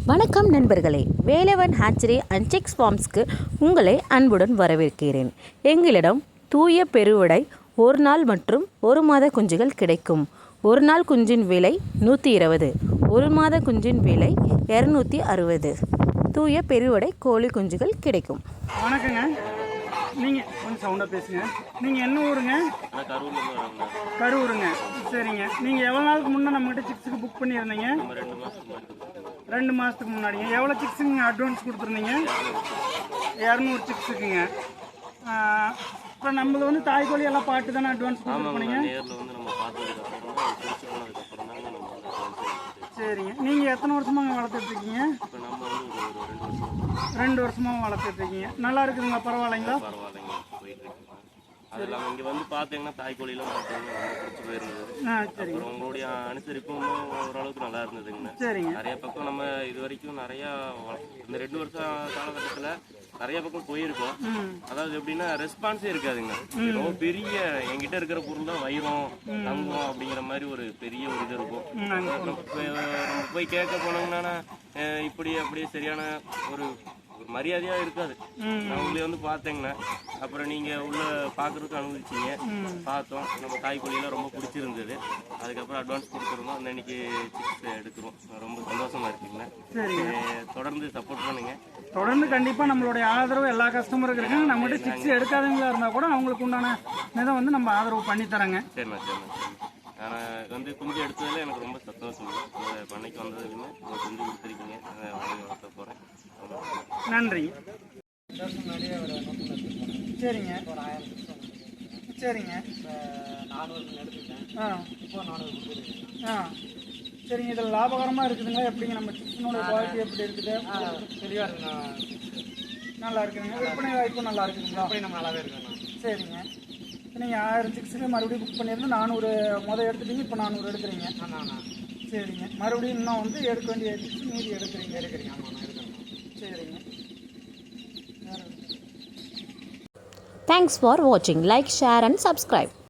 வணக்கம் நண்பர்களே, Velavan hatchery and six ஃபார்ம்ஸ்க்கு உங்களை அன்புடன் வரவேற்கிறேன். எங்களிடம் தூய பெருவிடை ஒரு நாள் மற்றும் ஒரு மாத குஞ்சுகள் கிடைக்கும். ஒரு நாள் குஞ்சின் விலை 120, ஒரு மாத குஞ்சின் விலை 260. தூய பெருவிடை கோழி குஞ்சுகள் கிடைக்கும். வணக்கங்க. நீங்கள் கொஞ்சம் சவுண்டாக பேசுங்க. நீங்கள் என்ன ஊருங்க? கரூருங்க. சரிங்க. நீங்கள் எவ்வளோ நாளுக்கு முன்னே நம்மகிட்ட சிக்ஸுக்கு புக் பண்ணியிருந்தீங்க? 2 மாதத்துக்கு முன்னாடிங்க. எவ்வளோ சிக்ஸுங்க அட்வான்ஸ் கொடுத்துருந்தீங்க? 200 சிக்ஸுக்குங்க. இப்போ நம்மளது வந்து தாய்க்கோழி எல்லாம் பாட்டு தானே அட்வான்ஸ் கொடுத்துருப்பீங்க? சரிங்க. நீங்கள் எத்தனை வருஷமாக வளர்த்துட்ருக்கீங்க? 2 வருஷமாக வளர்த்துட்ருக்கீங்க. நல்லா இருக்குதுங்களா? பரவாயில்லைங்களா? அது இல்லாமல் இங்கே வந்து பார்த்தீங்கன்னா தாய்க்கோழிலாம் பார்த்தீங்கன்னா ரொம்ப பிடிச்சி போயிருந்தது. அப்புறம் உங்களுடைய அனுசரிப்பும் ஓரளவுக்கு நல்லா இருந்ததுங்கண்ணா. சரிங்க. நிறைய பக்கம் நம்ம இது வரைக்கும் நிறையா இந்த 2 வருஷம் காலகட்டத்தில் நிறைய பக்கம் போயிருக்கோம். அதாவது எப்படின்னா ரெஸ்பான்ஸே இருக்காதுங்க. ரொம்ப பெரிய என்கிட்ட இருக்கிற பொருள் தான் வைரம் தங்கம் அப்படிங்கிற மாதிரி ஒரு பெரிய ஒரு இது இருக்கும். நம்ம போய் கேட்க போனோம்னா இப்படி அப்படியே சரியான ஒரு மரியாதையாக இருக்காது. நான் உங்களை வந்து பார்த்தேங்கண்ணா. அப்புறம் நீங்கள் உள்ள பார்க்குறதுக்கு அனுமதிச்சிங்க. பார்த்தோம். நம்ம தாய்க்கோழியெல்லாம் ரொம்ப பிடிச்சிருந்தது. அதுக்கப்புறம் அட்வான்ஸ் கொடுத்துருந்தோம். அன்னைக்கு சிக்ஸ் எடுக்கிறோம். ரொம்ப சந்தோஷமாக இருக்குங்கண்ணா. தொடர்ந்து சப்போர்ட் பண்ணுங்க. தொடர்ந்து கண்டிப்பாக நம்மளுடைய ஆதரவு எல்லா கஸ்டமருக்கு இருக்குங்க. நம்மகிட்ட சிக்ஸ் எடுக்காதவங்களா இருந்தால் கூட அவங்களுக்கு உண்டான இதை வந்து நம்ம ஆதரவு பண்ணித்தரங்க. சரிண்ணா சரிண்ணா. நான் வந்து குஞ்சு எடுத்ததில் எனக்கு ரொம்ப சந்தோஷம். பண்ணைக்கு வந்ததுக்குன்னு குஞ்சு கொடுத்துருக்கீங்க. வளர்த்த போகிறேன். நன்றி. சரிங்க சரிங்க. 400 எடுத்துக்கிட்டேன். இப்போ 400 கொடுத்துருக்கேன். சரிங்க. இதில் லாபகரமாக இருக்குதுங்களா? எப்படிங்க நம்ம சிக்கனோட குவாலிட்டி எப்படி இருக்குது? தெளிவாக இருக்குண்ணா. நல்லா இருக்குதுங்க. விற்பனை வாய்ப்பும் நல்லா இருக்குதுங்களா? அப்படி நம்ம நல்லாவே இருக்குண்ணா. சரிங்க. நீங்கள் 1000 சிக்ஸுக்கு மறுபடியும் புக் பண்ணியிருந்து 400 முதல் எடுத்துட்டீங்க. இப்போ 400 எடுக்கிறீங்க. ஆமாண்ணா. சரிங்க. மறுபடியும் இன்னும் வந்து எடுக்க வேண்டிய சிக்ஸ் மீதி எடுக்கிறீங்க. ஆமாண்ணா எடுக்கிறேன். சரிங்க. Thanks for watching. Like, share and subscribe.